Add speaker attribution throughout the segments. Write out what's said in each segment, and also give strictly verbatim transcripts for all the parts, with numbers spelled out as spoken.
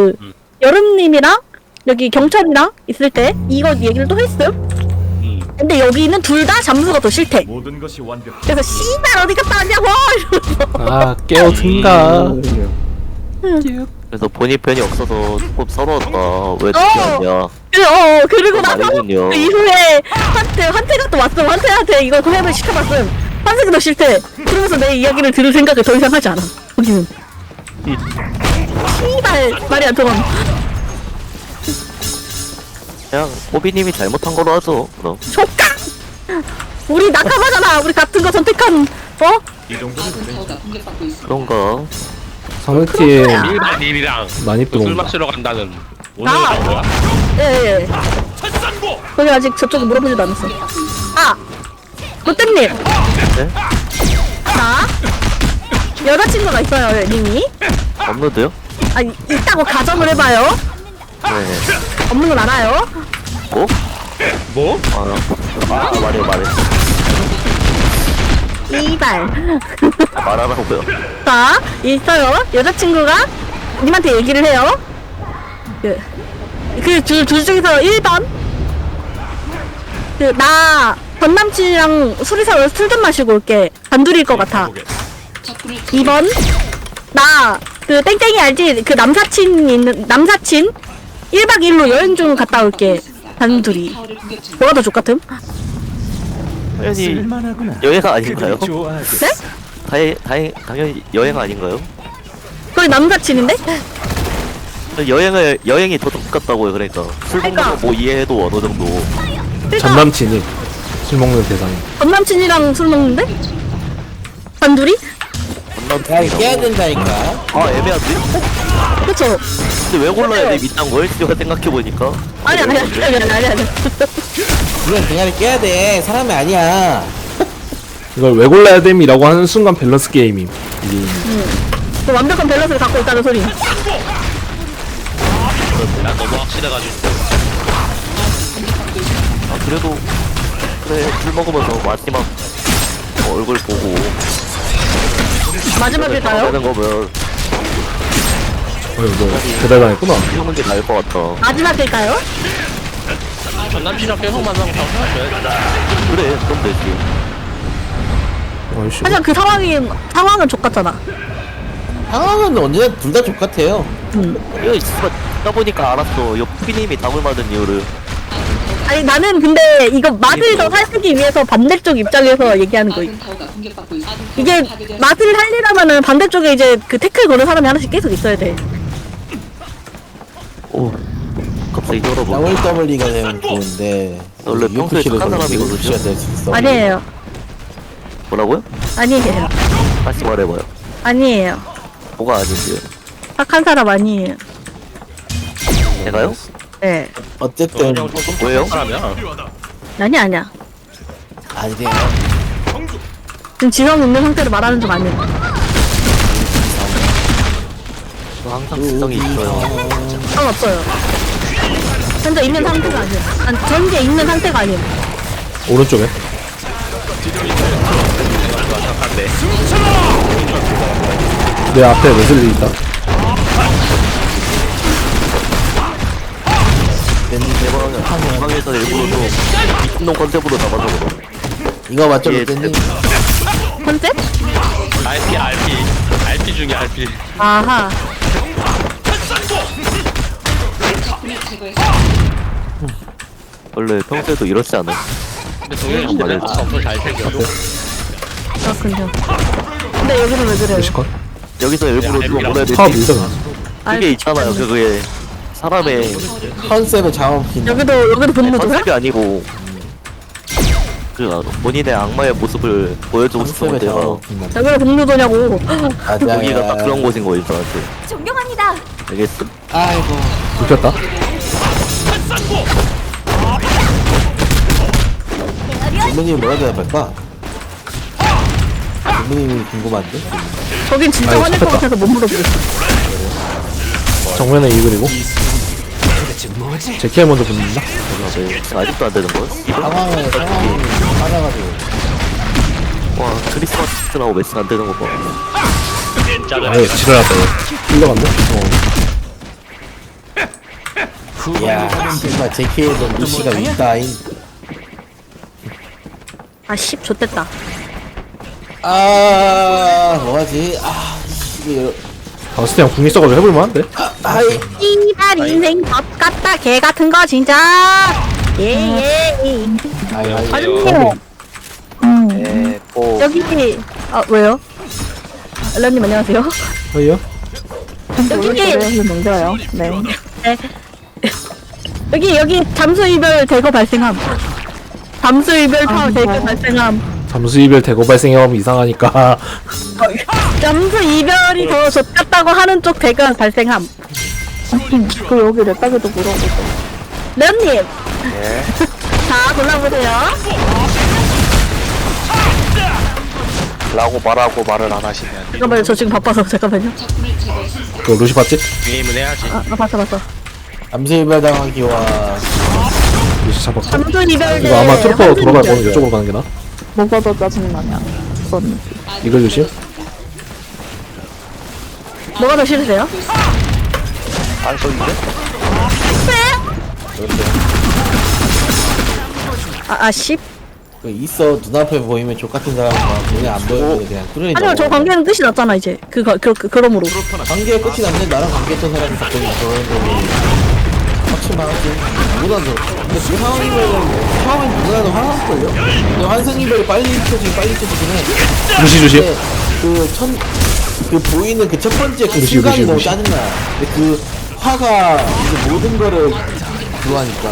Speaker 1: 그
Speaker 2: 음.
Speaker 1: 여름님이랑 여기 경찰이랑 있을 때 이거 얘기를 또 했음.
Speaker 2: 음.
Speaker 1: 근데 여기는 둘 다 잠수가 더 싫대.
Speaker 3: 모든 것이 완벽.
Speaker 1: 그래서 씨발 어디 갔다 왔냐고 이러면서.
Speaker 4: 아 깨어든가.
Speaker 5: 그래서 본인 편이 없어서 조금 서러웠다. 왜 늦게
Speaker 1: 어.
Speaker 5: 왔냐.
Speaker 1: 그래, 어 그리고 나서
Speaker 5: 말이군요.
Speaker 1: 그 이후에 한테 한테가 또 왔음. 한테한테 이거 고백을 시켜봤음. 한테가 더 싫대. 그러면서 내 이야기를 들을 생각을 더 이상 하지 않아. 거기는. 씨발 말이 안 통함.
Speaker 5: 그냥 호비님이 잘못한 거로 하죠. 그럼.
Speaker 1: 족가. 우리 낙하마잖아. 우리 같은 거 선택한 어?
Speaker 3: 이 정도는 되지.
Speaker 5: 그런가.
Speaker 4: 상대팀
Speaker 2: 일반인이랑
Speaker 4: 많이
Speaker 2: 술
Speaker 4: 들어온다.
Speaker 2: 마시러 간다는 오늘
Speaker 1: 아.
Speaker 2: 뭐야?
Speaker 1: 예, 예. 거기 아직 저쪽에 물어보지도 않았어. 아! 롯데님!
Speaker 5: 네?
Speaker 1: 나? 여자친구가 있어요, 님이.
Speaker 5: 업로드요?
Speaker 1: 아, 이- 있다고 가정을 해봐요.
Speaker 5: 네.
Speaker 1: 없는 건 알아요.
Speaker 5: 뭐?
Speaker 2: 뭐?
Speaker 5: 아, 아 말해 말해.
Speaker 1: 이발.
Speaker 5: 말하라고요.
Speaker 1: 자, 있어요. 여자친구가 님한테 얘기를 해요. 그, 그 둘, 둘 중에서 일 번. 그, 나, 전 남친이랑 술이 사서 술 좀 마시고 올게. 단둘이일 것 같아. 이 번. 나, 그, 땡땡이 알지? 그 남사친 있는, 남사친? 일 박 이 일로 여행 좀 갔다 올게. 단둘이. 뭐가 더 좋같음?
Speaker 5: 당연히
Speaker 3: 쓸만하구나.
Speaker 5: 여행 아닌가요?
Speaker 3: 그들이 좋아하게.
Speaker 1: 네?
Speaker 5: 다행, 다행, 당연히 여행 아닌가요?
Speaker 1: 거기 남사친인데?
Speaker 5: 여행을 여행이 더 똑같다고요. 그러니까 술 먹는
Speaker 1: 그러니까.
Speaker 5: 거 뭐 이해해도 어느 정도.
Speaker 1: 그러니까
Speaker 4: 전남친이 술 먹는 대상이.
Speaker 1: 전 남친이랑 술 먹는데? 단둘이?
Speaker 6: 야, 이거 깨야 된다니까.
Speaker 5: 아 애매하지?
Speaker 1: 그쵸?
Speaker 5: 근데 왜 골라야 돼 밑단 걸? 제가 생각해 보니까.
Speaker 1: 아니, 아니, 아니, 아니, 아니, 아니, 아니.
Speaker 6: 이건 대가리 깨야 돼. 사람이 아니야.
Speaker 4: 이걸 왜 골라야 됨이라고 하는 순간 밸런스 게임임. 이게
Speaker 1: 그 완벽한 밸런스를 갖고 있다는 소리.
Speaker 2: 난 너무 확실해가지고
Speaker 5: 아 그래도 그래 술 먹으면서 마지막 어, 얼굴 보고
Speaker 1: 마지막일까요?
Speaker 5: 되는 거면
Speaker 4: 어휴 너 배달당했구나.
Speaker 5: 피우는 게 나을 것 같다.
Speaker 1: 마지막일까요?
Speaker 2: 전 남친이랑 계속 만나고 다음 생각해.
Speaker 5: 그래 그럼 되지.
Speaker 4: 어이씨.
Speaker 1: 하지만 그 상황이, 상황은 족같잖아.
Speaker 6: 상황은 언제나 둘 다 똑같아요.
Speaker 5: 이거 있어 듣다 보니까 알았어. 이 피님이 답을 맞은 이유를.
Speaker 1: 아니, 나는 근데 이거 맛을 더 살리기 위해서 반대쪽 입장에서 얘기하는 거야. 이게 맛을 살리려면은 반대쪽에 이제 그 태클 거는 사람이 하나씩 계속 있어야 돼.
Speaker 5: 오 갑자기 열어보.
Speaker 6: 더블유더블유이가 되면 좋은데.
Speaker 5: 원래 평소에 착한 사람이거든요.
Speaker 6: 될수 있어.
Speaker 1: 아니에요.
Speaker 5: 뭐라고요?
Speaker 1: 아니에요.
Speaker 5: 다시 말해봐요.
Speaker 1: 아니에요.
Speaker 5: 뭐가 아닌데요?
Speaker 1: 착한 사람 아니에요.
Speaker 5: 제가요?
Speaker 1: 네.
Speaker 6: 어쨌든
Speaker 2: 그냥 조금
Speaker 5: 왜요?
Speaker 2: 사람이야.
Speaker 1: 아니, 아니야.
Speaker 6: 아니래요.
Speaker 1: 지금 지성 있는 상태로 말하는 중 아니에요.
Speaker 5: 저 항상 지성이 있어요.
Speaker 1: 상관없어요. 현재 있는 상태가 아니에요. 아니, 현재 있는 상태가 아니에요.
Speaker 4: 오른쪽에.
Speaker 2: 생각한데
Speaker 4: 내 앞에 웨슬리 있다.
Speaker 5: 대방은 방에서 일부러 좀 미친놈 컨셉으로 잡아서 그럼.
Speaker 6: 이거 맞죠,
Speaker 5: 예,
Speaker 6: 롯데님?
Speaker 1: 컨셉?
Speaker 2: 알피 알피 알피 중에 알피.
Speaker 1: 아하.
Speaker 5: 원래 평소에도 이렇지 않아요.
Speaker 2: 근데 동현이 형 말해 엄청 잘 챙겨줘.
Speaker 1: 그렇군요. 근데 여기는 왜 그래요?
Speaker 4: 뮤지컬.
Speaker 5: 여기서 일부러 누가 뭐라 해야 되지?
Speaker 4: 파업 밀잖아.
Speaker 5: 그게 있잖아요. 그게 사람의
Speaker 6: 컨셉을 잡아먹힌다.
Speaker 1: 여기도 여기도 분노도야?
Speaker 5: 컨셉이 아니고 그 본인의 악마의 모습을 보여주고 싶은
Speaker 6: 컨셉을
Speaker 5: 데가
Speaker 6: 잡아먹힌다.
Speaker 1: 여기도 분노도냐고.
Speaker 6: 맞아.
Speaker 5: 여기가 딱 그런 곳인 거예요 저한테.
Speaker 7: 존경합니다.
Speaker 5: 알겠어?
Speaker 6: 아이고.
Speaker 4: 눕혔다.
Speaker 6: 부모님이 뭐라 대답할까? 부모님이 궁금한데?
Speaker 1: 거긴 진짜
Speaker 4: 아이고,
Speaker 1: 화낼 것
Speaker 4: 잡혔다.
Speaker 1: 같아서 못 물어보겠어.
Speaker 4: 정면에 이 그리고. 제키에 먼저 붙는다.
Speaker 5: 네, 아직도 안 되는 거야?
Speaker 6: 상황을, 상황을 받아가지고.
Speaker 5: 와 크리스마스 시즌하고 매칭 안 되는 거 봐.
Speaker 2: 진짜로.
Speaker 4: 아예 지랄하다. 끌려간다. 어.
Speaker 6: 이야 씨발 제키에도 루시가 있다잉.
Speaker 1: 아씨 좋댔다.
Speaker 6: 아 뭐하지? 아 이게
Speaker 4: 바스티 형 궁이 써가지고 해볼만한데?
Speaker 6: 아이
Speaker 1: 이발 인생 밥 같다 개 같은 거 진짜. 예예.
Speaker 6: 아이 아이
Speaker 1: 아줌마.
Speaker 5: 에, 뭐
Speaker 1: 여기 아 왜요? 런님 안녕하세요.
Speaker 4: 어이요?
Speaker 1: 여기
Speaker 7: 농자요. 네.
Speaker 1: 네. 여기 여기 잠수 이별 대거 발생함. 잠수 이별 파 대거 발생함.
Speaker 4: 잠수 이별 대거 발생하면 이상하니까
Speaker 1: 잠수 이별이 더 좋겠다고 하는 쪽 대거 발생함.
Speaker 7: 그 여기 내 딸기도 물어보고.
Speaker 1: 런님.
Speaker 5: 예.
Speaker 1: 자 골라보세요.
Speaker 5: 라고 말하고 말을 안 하시면
Speaker 1: 잠깐만요 저 지금 바빠서 잠깐만요.
Speaker 4: 그 루시 봤지?
Speaker 2: 게임은 해야지.
Speaker 1: 아, 아 봤어 봤어.
Speaker 6: 암세이발당하기와
Speaker 4: 루시 잡았어.
Speaker 1: 잠수 이별 대
Speaker 4: 이거 아마 트루퍼
Speaker 1: 환승
Speaker 4: 돌아갈
Speaker 1: 이별.
Speaker 4: 거면 이쪽으로 가는 게 나아.
Speaker 7: 뭐가 더 짜증나냐. 그건
Speaker 4: 이걸 조심.
Speaker 1: 뭐가 더 싫으세요?
Speaker 5: 안 써있는데?
Speaker 1: 아, 아, 씨.
Speaker 6: 그 있어 눈앞에 보이면 족같은 사람과 눈에 안 보이는데 그냥 뚫어내.
Speaker 1: 아니요, 저 관계는 끝이 났잖아, 이제. 그거, 그, 그, 그러므로.
Speaker 6: 관계가 끝이 났는데 나랑 관계했던 사람이 갑자기 저러는 거고 확실만 하지. 누구나도 근데 그 상황이면 상황이 누구나도 화났을걸요? 근데 환승이별이 빨리 켜지긴 빨리 켜지긴 해.
Speaker 4: 루시 조심.
Speaker 6: 근데 그첫 그 보이는 그 첫 번째 그
Speaker 4: 루시,
Speaker 6: 순간이
Speaker 4: 루시,
Speaker 6: 너무
Speaker 4: 루시.
Speaker 6: 짜증나. 근데 그 화가 이제 모든 거를 그거 하니까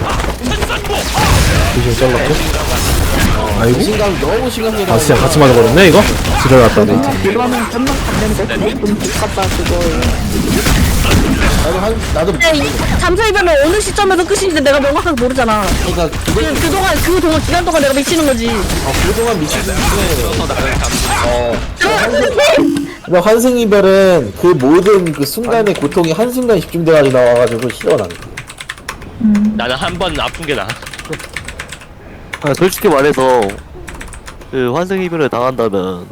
Speaker 4: 루시 잘랐고. 아이고.
Speaker 6: 자신감이 너무 심각해.
Speaker 4: 바스티 형 같이 맞아버렸네 이거? 지랄났다 네.
Speaker 7: 그러면 끝난 건데 좀 똑같다 그거예요.
Speaker 6: 나도 한 나도
Speaker 1: 근데 이 잠수 이별은 어느 시점에서 끝인지 내가 명확하게 모르잖아.
Speaker 6: 그러니까
Speaker 1: 그,
Speaker 6: 그걸
Speaker 1: 그동안, 그동안, 기간 동안 내가 미치는 거지.
Speaker 6: 어, 그동안 미치는 게 어.
Speaker 1: 선생님!
Speaker 6: 근데 환승 이별은 그 모든 그 순간의 고통이 한 순간 집중돼가지고 나와가지고 싫어 나는.
Speaker 2: 나는 한 번 아픈 게 나아.
Speaker 5: 아, 솔직히 말해서 그 환승 이별을 당한다면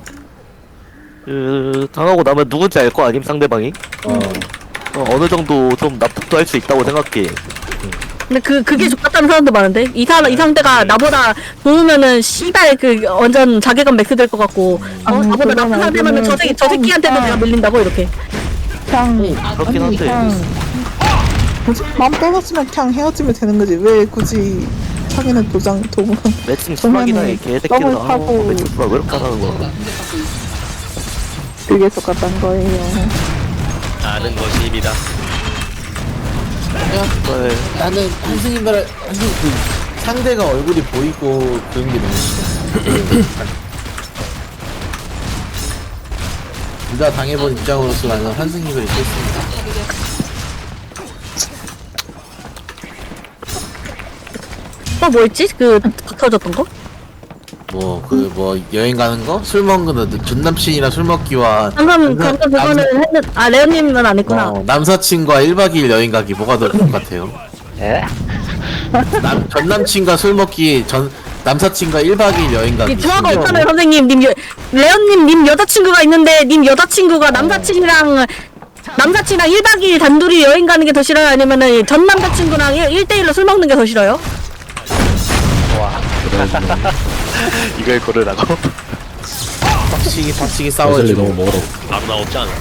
Speaker 5: 그 당하고 나면 누군지 알 거 아님 상대방이?
Speaker 6: 어.
Speaker 5: 어, 어느 정도 좀 납득도 할 수 있다고 생각해.
Speaker 1: 근데 그, 그게 좋겠다는 사람도 많은데? 이 사람, 이 상대가 나보다 좋으면은, 씨발, 그, 완전 자괴감 맥스 될 것 같고, 어,
Speaker 7: 아니,
Speaker 1: 나보다
Speaker 7: 그건
Speaker 1: 나쁜 상대면은 저, 새끼, 저 새끼한테도 내가 밀린다고, 이렇게.
Speaker 7: 그냥
Speaker 5: 그렇긴
Speaker 7: 아니
Speaker 5: 한데.
Speaker 7: 그냥 뭐지? 마음 떨어지면 그냥 헤어지면 되는 거지. 왜 굳이 자기는 도장 도구
Speaker 5: 매칭 수락이나 이
Speaker 7: 그러면은
Speaker 5: 개새끼들
Speaker 7: 썸을
Speaker 5: 하고
Speaker 7: 타고
Speaker 5: 매칭 수락 왜 이렇게 하는 거야?
Speaker 7: 그게 똑같단 거예요.
Speaker 2: 아는 것이 입이다.
Speaker 5: 네.
Speaker 6: 나는 환승 이별 환승 그 상대가 얼굴이 보이고 그런 게 너무 싫어. 둘 다 당해본 입장으로서 나는 환승 이별이 싫습니다.
Speaker 1: 어, 뭐였지? 그, 터졌던 거?
Speaker 6: 뭐 그 뭐 여행 가는 거? 술 먹는 거? 전 남친이랑 술 먹기와
Speaker 1: 방금,
Speaker 6: 남-
Speaker 1: 방금 그거는 했는, 아, 레오님은 안 했구나.
Speaker 6: 어, 남사친과 일 박 이 일 여행 가기 뭐가 더 똑같아요?
Speaker 5: 예?
Speaker 6: 남, 전 남친과 술 먹기 전 남사친과 일 박 이 일 여행 가기
Speaker 1: 이 조화가
Speaker 6: 심지어
Speaker 1: 있잖아요, 선생님. 님, 여, 레온님, 님 여자친구가 있는데, 님 여자친구가 남사친이랑, 남사친이랑 일 박 이 일 단둘이 여행 가는 게 더 싫어요? 아니면은 전 남자친구랑 일 대일로 술 먹는 게 더 싫어요?
Speaker 5: 이걸 고르라고?
Speaker 6: 박치기 박치기
Speaker 4: 웨슬리
Speaker 6: 싸워지고
Speaker 4: 너무 멀어.
Speaker 2: 바로 나오지 않아.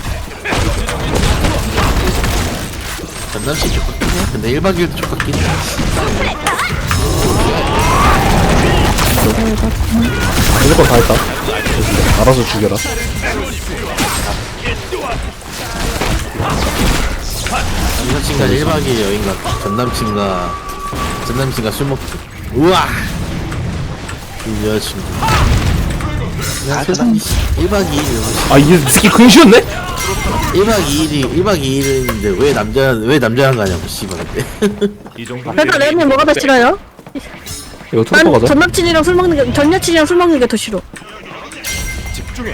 Speaker 6: 전 남친 좋겠긴 해. 근데 일 박 이 일도 좋겠긴 해.
Speaker 4: 무조건 다 했다. 알아서 죽여라.
Speaker 6: 남사친과 일 박 이 일 여행 가기 전 남친과 전 남친과 술 먹기 우와 이 여자친구 난 세상에 일 박 이 일
Speaker 4: 아 이게 스키 근시였네?
Speaker 6: 일 박 이 일이 일 박 이 일인데 왜 남자 왜 남자랑 가냐고 씨발 근데
Speaker 3: 이 정도
Speaker 1: 그래서 레온님 뭐가 더 싫어요?
Speaker 4: 이거 트루퍼
Speaker 1: 난
Speaker 4: 가자.
Speaker 1: 전 남친이랑 술 먹는 게, 전 여친이랑 술 먹는 게 더 싫어.
Speaker 3: 집중해.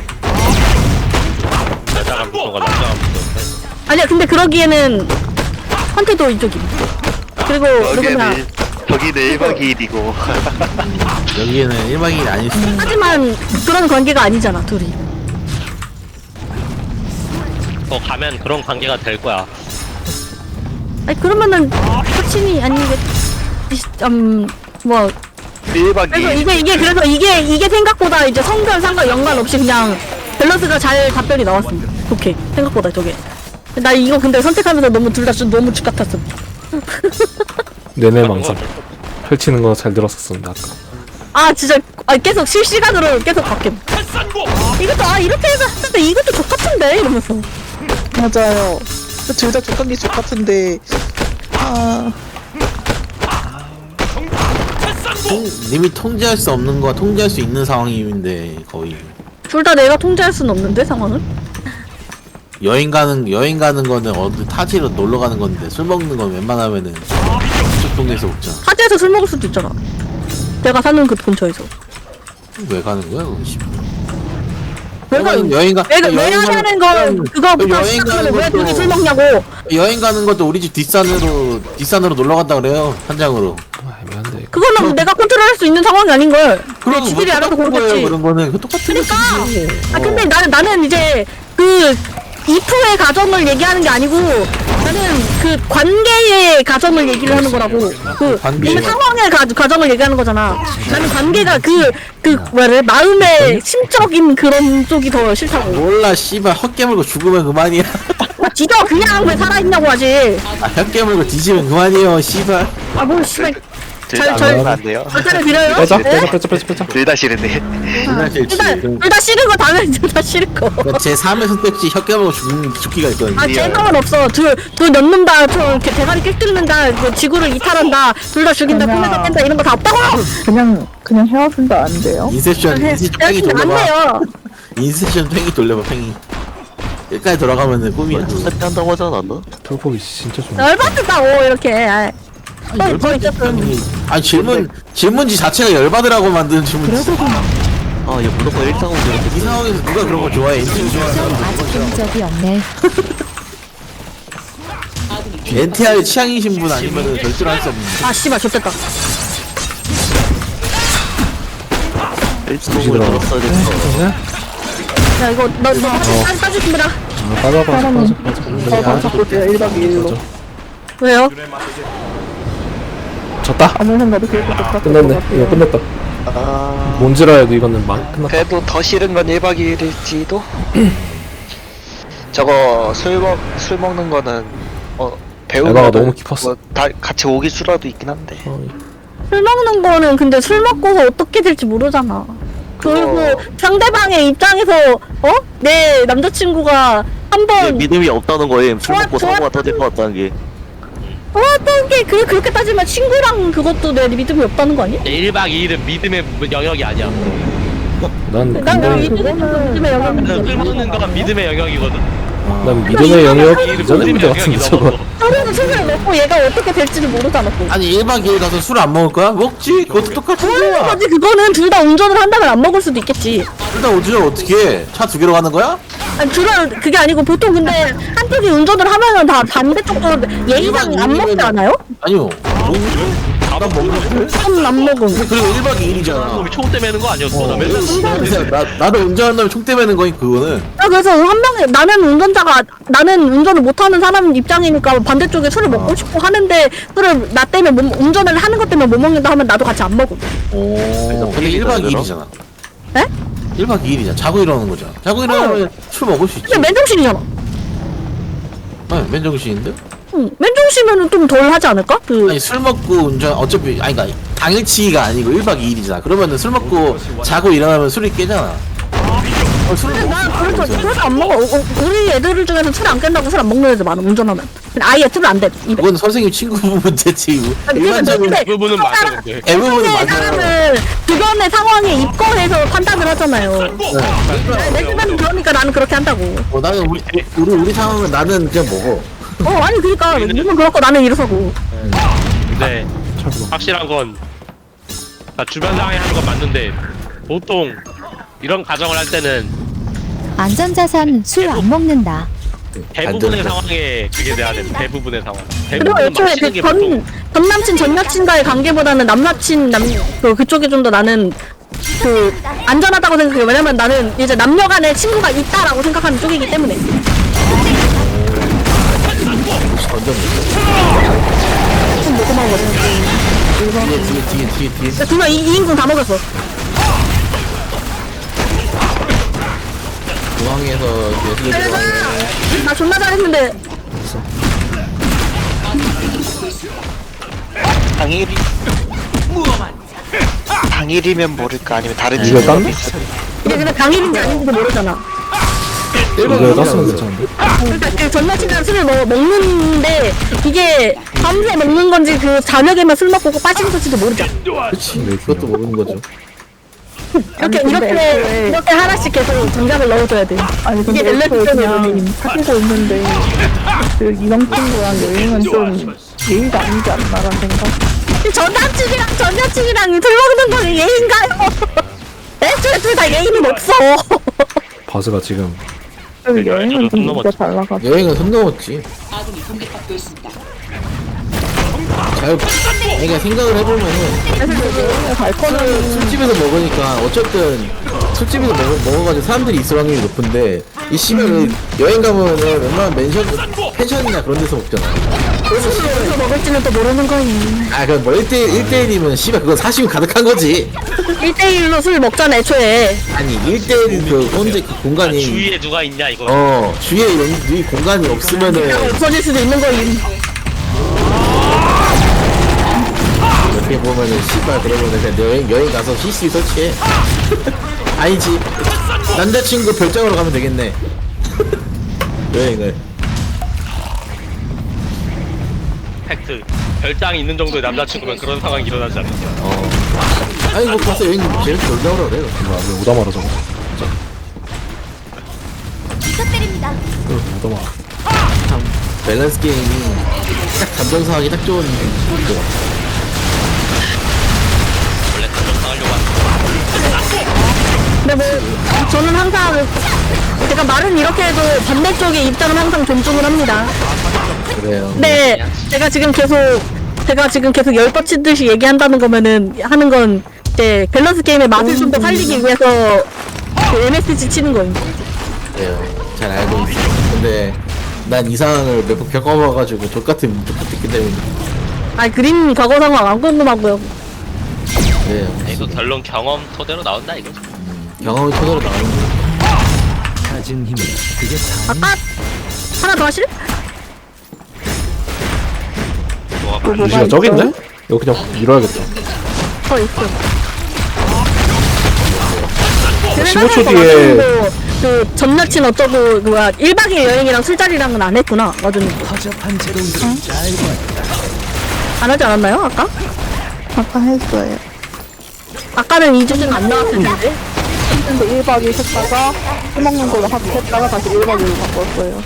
Speaker 2: 여자가 무서워, 남자가 무서워.
Speaker 1: 아니야, 근데 그러기에는, 한테도 이쪽임. 그리고, 누구나.
Speaker 5: 저기는 일 박 이 일이고
Speaker 6: 여기에는 일 박 이 일 아닐 수 있어.
Speaker 1: 하지만, 그런 관계가 아니잖아, 둘이.
Speaker 2: 너 가면 그런 관계가 될 거야.
Speaker 1: 아니 그러면은 코치니 아니겠 음뭐
Speaker 8: 일 박 이
Speaker 1: 그래서
Speaker 8: 일
Speaker 1: 이게 이게 그래서 이게 이게 생각보다 이제 성별 상관 연관 없이 그냥 밸런스가 잘 답변이 나왔습니다. 오케이 생각보다 저게 나 이거 근데 선택하면서 너무 둘 다 너무 죽 같았어.
Speaker 4: 내내 망상 펼치는 거 잘 들었었습니다 아까.
Speaker 1: 아 진짜 아 계속 실시간으로 계속 바뀌어. 이것도 아 이렇게 해서 하는데 이것도 족 같은데 이러면서.
Speaker 7: 맞아요. 둘 다 족한 게 족같은데 아
Speaker 6: 통, 님이 통제할 수 없는 거와 통제할 수 있는 상황인데 거의
Speaker 1: 둘 다 내가 통제할 수는 없는데 상황은.
Speaker 6: 여행 가는 여행 가는 거는 어디 타지로 놀러 가는 건데 술 먹는 건 웬만하면은 그쪽 동네에서 먹자.
Speaker 1: 타지에서 술 먹을 수도 있잖아. 내가 사는 그 근처에서.
Speaker 6: 왜 가는 거야? 그거 씨.
Speaker 1: 내가
Speaker 6: 여행 여행 가
Speaker 1: 내가 왜
Speaker 6: 여행
Speaker 1: 하는
Speaker 6: 가는-
Speaker 1: 건 그거부터
Speaker 6: 여행
Speaker 1: 시작하면
Speaker 6: 가는
Speaker 1: 왜 둘이
Speaker 6: 것도-
Speaker 1: 술 먹냐고.
Speaker 6: 여행 가는 것도 우리 집 뒷산으로 뒷산으로 놀러 간다 그래요 한장으로.
Speaker 4: 아, 애매한데 이거.
Speaker 1: 그거는 내가 컨트롤할 수 있는 상황이 아닌 걸.
Speaker 6: 그럼
Speaker 1: 내 지들이
Speaker 6: 뭐
Speaker 1: 알아서
Speaker 6: 똑같은 거예요,
Speaker 1: 그러겠지.
Speaker 6: 그런 거는 그 똑같은
Speaker 1: 그러니까.
Speaker 6: 거지.
Speaker 1: 아 근데 나는 나는 이제 그 이프의 가정을 얘기하는 게 아니고 나는 그 관계의 가정을 얘기를 하는 거라고. 그
Speaker 6: 관계.
Speaker 1: 이미 상황의 가, 가정을 얘기하는 거잖아. 나는 관계가 그 그 뭐래 마음의 심적인 그런 쪽이 더 싫다고.
Speaker 6: 몰라 씨발 헛 깨물고 죽으면 그만이야.
Speaker 1: 지도 그냥 왜 살아있냐고 하지.
Speaker 6: 아, 헛 깨물고 뒤지면 그만이에요 씨발.
Speaker 1: 아뭘 씨발
Speaker 8: 둘다
Speaker 1: 절-
Speaker 8: 먹으면 안 돼요.
Speaker 1: 절차를 드려요.
Speaker 4: 빼자
Speaker 1: 네?
Speaker 4: 빼자 빼자 빼자 빼자.
Speaker 8: 둘 다 싫은데.
Speaker 6: 정말 제일
Speaker 1: 둘다
Speaker 6: 지금
Speaker 1: 둘 다 싫은 거 당연히 둘 다 싫은 거.
Speaker 6: 제 삼의 선택지 혀 깨물고 죽는 죽기가 있거든요.
Speaker 1: 아, 제상은 없어. 둘, 둘 넣는다, 저 이렇게 대가리 깨뚫는다, 그 지구를 이탈한다, 둘 다 죽인다,
Speaker 7: 그냥-
Speaker 1: 꿈에서 깬다, 이런 거 다 없다고!
Speaker 7: 그냥 그냥 헤어진다 안 돼요?
Speaker 6: 인셉션 인셉션 팽이
Speaker 1: 헤어지면 안
Speaker 6: 돌려봐.
Speaker 1: 돼요.
Speaker 6: 인셉션 팽이 돌려봐 팽이. 끝까지 돌아가면은 꿈이야.
Speaker 5: 두세 배 한다고 하지 않았나?
Speaker 4: 털포기 진짜 좋네.
Speaker 1: 열받는다고, 이렇게. 아이. 또, 또 있었음.
Speaker 6: 아니 질문 질문지 자체가 열받으라고 만드는 질문지.
Speaker 5: 아, 얘 무조건 일상으로
Speaker 6: 이
Speaker 5: 이렇게
Speaker 6: 상황에서 누가 그런 거 좋아해? 엔티 좋아하는
Speaker 9: 아직 본 적이 없네.
Speaker 6: 엔티아이 취향이신 분 아니면은 절대로 할 수 없는.
Speaker 1: 아, 씨발, 좋겠다.
Speaker 5: 일상으로 들었어야 됐어.
Speaker 1: 야, 이거, 너, 너, 한 따주신다.
Speaker 4: 아, 빠져 빠져 빠져 빠져.
Speaker 7: 저도 자꾸 제가 일 박 이 일로
Speaker 1: 왜요?
Speaker 4: 졌다.
Speaker 7: 아무 생각도 그렇게 똑같은
Speaker 4: 끝났네.
Speaker 7: 것
Speaker 4: 이거
Speaker 7: 같아요.
Speaker 4: 끝났다.
Speaker 8: 아,
Speaker 4: 뭔지라 해도 이거는 망 끝났다.
Speaker 8: 그래도 더 싫은 건 일 박 이 일일지도. 저거 술 먹 술 먹는 거는 어 배우면
Speaker 4: 에바가 너무 깊었어.
Speaker 8: 다 같이 오기 수라도 있긴 한데.
Speaker 4: 어,
Speaker 1: 술 먹는 거는 근데 술 먹고서 어떻게 될지 모르잖아. 그리고
Speaker 8: 그거-
Speaker 1: 상대방의 입장에서, 어? 내 남자친구가 한
Speaker 5: 얘
Speaker 1: 번,
Speaker 5: 믿음이 없다는 거임. 술
Speaker 1: 좋아,
Speaker 5: 먹고
Speaker 1: 좋아.
Speaker 5: 사고가 터질 것 같다는 게.
Speaker 1: 어떤 게, 그, 그렇게 따지면 친구랑 그것도 내 믿음이 없다는 거 아니야?
Speaker 2: 일 박 이 일은 믿음의 영역이 아니야.
Speaker 4: 난
Speaker 1: 난
Speaker 4: 굉장히
Speaker 1: 믿음의 영역이
Speaker 2: 술 먹는 건 믿음의 영역이거든.
Speaker 4: 난 믿음의 영역
Speaker 2: 일
Speaker 4: 이전의
Speaker 2: 믿음의
Speaker 4: 문제 같은데
Speaker 2: 영역이
Speaker 4: 저거.
Speaker 2: 넘어서.
Speaker 1: 서로는 술을 먹고 얘가 어떻게 될지를 모르잖아 또.
Speaker 6: 아니 일 박 이 일 가서 술 안 먹을 거야? 먹지. 그것도 똑같은
Speaker 1: 모르는
Speaker 6: 거야.
Speaker 1: 거지. 그거는 둘 다 운전을 한다면 안 먹을 수도 있겠지.
Speaker 6: 일단 어디서 어떻게 해? 차 두 개로 가는 거야?
Speaker 1: 아니 둘은 그게 아니고 보통 근데 한쪽이 운전을 하면은 다 반대쪽도 예의상 안 먹지 않아요?
Speaker 6: 아니요. 난 먹는데?
Speaker 1: 좀 안 먹음.
Speaker 6: 그리고 일 박 이 일이잖아.
Speaker 2: 우리 총대 매는 거 아니었어? 나 맨날
Speaker 6: 그래서 나, 나도 운전한다면 총 때매는 거니 그거는.
Speaker 1: 아, 그래서 한 명이 나는 운전자가 나는 운전을 못하는 사람 입장이니까 반대쪽에 술을 먹고 싶고 하는데 술을 나 때문에 못, 운전을 하는 것 때문에 못 먹는다 하면 나도 같이 안 먹음.
Speaker 6: 오. 근데 일 박 이 일이잖아.
Speaker 1: 에?
Speaker 6: 일 박 이 일이잖아. 자고 일어나는 거잖아. 자고 일어나면 술 먹을 수 있지.
Speaker 1: 근데 맨정신이잖아.
Speaker 6: 네, 맨정신인데?
Speaker 1: 응, 맨정신이면 좀 덜 하지 않을까? 그
Speaker 6: 아니 술 먹고 운전 어차피 아니 그니까 당일치기가 아니고 일 박 이 일이잖아. 그러면은 술 먹고 자고 일어나면 술이 깨잖아. 어, 술
Speaker 1: 근데
Speaker 6: 먹
Speaker 1: 난 그래서 술을 안 먹어. 어, 어, 우리 애들 중에서 술 안 깬다고 술 안 먹는 애들 많아. 운전하면. 근데 아예 술을 안 돼. 입에.
Speaker 6: 그건 선생님 친구 문제지.
Speaker 1: 아니,
Speaker 6: 일반적인
Speaker 1: 근데
Speaker 2: 부분은 맞아 근데.
Speaker 6: 대부분은
Speaker 1: 주변의
Speaker 6: 맞아요.
Speaker 1: 사람은 주변의 상황에 입건해서 판단을 하잖아요. 내- 내 주변은 그러니까 나는 그렇게 한다고.
Speaker 6: 어, 나는 우리 우리 우리 상황은 나는 그냥 먹어.
Speaker 1: 어 아니 그러니까 니는 그렇고 나는 이러서고.
Speaker 2: 근데 확실한 건 나 주변 상황에 하는 건 맞는데 보통 이런 가정을 할 때는
Speaker 9: 안전자산 술 안 먹는다.
Speaker 2: 대부분의
Speaker 6: 안전자.
Speaker 2: 상황에 그게 돼야 돼. 대부분의 상황.
Speaker 1: 그리고
Speaker 2: 대부분은 막
Speaker 1: 애초에
Speaker 2: 치는 게
Speaker 1: 그전
Speaker 2: 보통
Speaker 1: 전 남친 전 여친과의 관계보다는 남사친 남그 그쪽이 좀 더 나는 그 안전하다고 생각해. 왜냐면 나는 이제 남녀간에 친구가 있다라고 생각하는 쪽이기 때문에.
Speaker 6: 뒤에 뒤에 뒤에 뒤에 뒤에
Speaker 1: 두명 이 인공 다 먹었어.
Speaker 6: 중앙에서 예술의 중앙에
Speaker 1: 나 존나 잘했는데.
Speaker 8: 당일이 당일이면 모를까 아니면 다른
Speaker 4: 이걸
Speaker 8: 친구가
Speaker 4: 땄나?
Speaker 8: 있어.
Speaker 1: 이게 근데 당일인지 아닌지도 모르잖아.
Speaker 4: 이거 땄으면 괜찮은데?
Speaker 1: 그러니까 그 전날치기랑 술을 먹, 먹는데 이게 밤새 먹는 건지 그 저녁에만 술 먹고 빠지는 건지도 모르잖아.
Speaker 6: 그치 그것도 모르는 거죠.
Speaker 1: 이렇게
Speaker 7: 근데
Speaker 1: 이렇게
Speaker 7: 애초에-
Speaker 1: 이렇게 하나씩 계속 정답을 넣어줘야 돼.
Speaker 7: 아니 근데
Speaker 1: 이게
Speaker 7: 애초에
Speaker 1: 밸런스
Speaker 7: 그냥
Speaker 1: 게임이니.
Speaker 7: 사귀고 있는데 그 이성 친구랑 여행은 좀 예의가 아니지 않나라는 생각.
Speaker 1: 전 남친이랑 전 여친이랑 술 먹는 건 예인가요? 애초에 둘 다 예의는 없어.
Speaker 4: 바스가 지금
Speaker 7: 그리고
Speaker 2: 그러니까
Speaker 7: 여행은
Speaker 2: 저도
Speaker 7: 좀
Speaker 2: 좀
Speaker 7: 진짜 달라가지고.
Speaker 6: 여행은 손 넘었지. 잘 그러니까 생각을 해보면은
Speaker 7: 발코는
Speaker 6: 술집에서 먹으니까 어쨌든 술집에서 먹어, 먹어가지고 사람들이 있을 확률이 높은데 이 씨발 여행 가면은 웬만한 맨션 펜션이나 그런 데서 먹잖아. 그래서 씨발
Speaker 1: 어디서 먹을지는 또 모르는 거니.
Speaker 6: 아 그럼 뭐 일 대 일 일 대 일이면 씨발 그건 사심이 가득한 거지.
Speaker 1: 일 대일로 술 먹잖아 애초에.
Speaker 6: 아니 일 대 일 그 혼자 그 공간이
Speaker 2: 주위에 누가 있냐 이거.
Speaker 6: 어 주위에 연- 이 공간이 없으면은
Speaker 1: 없어질 수도 있는 거니.
Speaker 6: 어떻게 보면은 씨발 그러면은 그냥 여행 여행 가서 씨씨 설치해. 아니지 남자친구 별장으로 가면 되겠네. 여행을
Speaker 2: 팩트. 별장이 있는 정도의 남자친구면 그런 상황이 일어나지 않는다.
Speaker 6: 어 아니 뭐 가서 여행 재밌게 놀다 오라 그래.
Speaker 4: 뭐야 왜 오다마라 저거 응 오다마라
Speaker 6: 참 밸런스 게임이 딱 감정상하기 딱 좋은 것 같아.
Speaker 2: 원래 감정상하려고 하는
Speaker 1: 근데 뭐 저는 항상 제가 말은 이렇게 해도 반대쪽의 입장은 항상 존중을 합니다.
Speaker 6: 그래요.
Speaker 1: 근데 제가 지금 계속 제가 지금 계속 열 뻗치듯이 얘기한다는 거면은 하는 건 이제 밸런스 게임의 맛을 좀 더 살리기 위해서 그 엠에스지 치는 거예요.
Speaker 6: 그래요. 잘 알고 있어. 근데 난 이 상황을 몇 번 겪어봐가지고 족같은 족같았기 때문에
Speaker 1: 아 그림 과거 상황 안 궁금하고요.
Speaker 6: 그래요.
Speaker 2: 이거 결론 경험 토대로 나온다 이거.
Speaker 6: 경험이 토대로 나오는 거.
Speaker 1: 아까 하나 더 하실?
Speaker 2: 뭐가
Speaker 7: 뭐가
Speaker 4: 루시가 저기 있네?
Speaker 7: 있어요?
Speaker 4: 이거 그냥 밀어야겠다
Speaker 1: 더 있어.
Speaker 4: 십오 초 뒤에
Speaker 1: 그 전여친 어쩌고 그거야 일 박 이 일 여행이랑 술자리랑은 안 했구나 맞은. 안 하지 않았나요 아까?
Speaker 7: 아까 했어요.
Speaker 1: 아까는 이 주는 안 나왔을 텐데.
Speaker 7: 근데 일 박 이 일 했다가 술 먹는 걸로 합했다가 다시 일 박 이 일로 바꿨어요.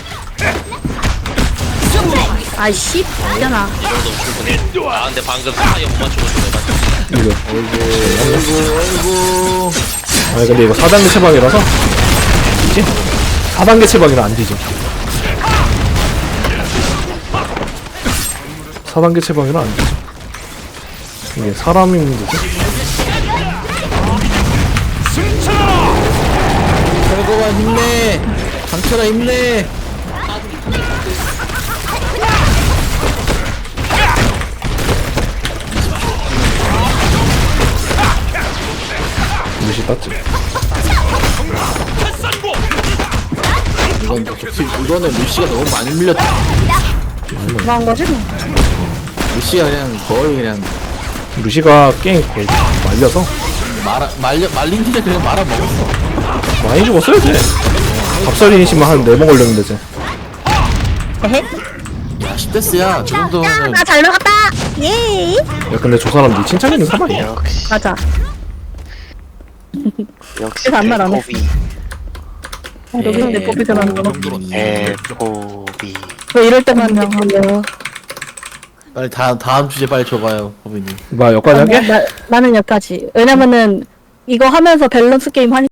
Speaker 1: 아이씨 있잖아.
Speaker 2: 아 근데 방금 사이에 못 맞추고 있어.
Speaker 4: 이거
Speaker 6: 아이고 아이고
Speaker 4: 아니 근데 이거 사 단계 체방이라서 이지? 사 단계 체방이라 안 되죠 사 단계 체방이라 안 되죠 이게 사람이 문제지?
Speaker 6: 결국은 힘내. 강철아 힘내.
Speaker 4: 루시 땄지
Speaker 6: 이건 좋지. 이거는 루시가 너무 많이 밀렸다.
Speaker 1: 그런 거지?
Speaker 6: 루시가 그냥 거의 그냥
Speaker 4: 루시가 게임 거의 말려서
Speaker 6: 말아 말려 말린 티를 그냥 말아 먹었어.
Speaker 4: 많이 죽었어요 쟤 밥살이니시면 한 네 번 걸렸는데 쟤
Speaker 1: 에헤.
Speaker 6: 야 십 대스야. 저 정도면
Speaker 1: 나 잘 먹었다. 예.
Speaker 4: 야 근데 저 사람 니 칭찬이는 사람이야
Speaker 8: 역시
Speaker 1: 맞아.
Speaker 8: 역시
Speaker 1: 그래서 아무 말안 했어.
Speaker 8: 배꼽이
Speaker 1: 여기 내 뽑기 전하는 거.
Speaker 8: 배꼽이
Speaker 1: 왜 이럴 때만 하냐.
Speaker 6: 빨리 다음 다음 주제 빨리 줘봐요, 법인님.
Speaker 4: 뭐 여기까지 하게?
Speaker 1: 나, 나는 여기까지. 왜냐면은 이거 하면서 밸런스 게임 하니.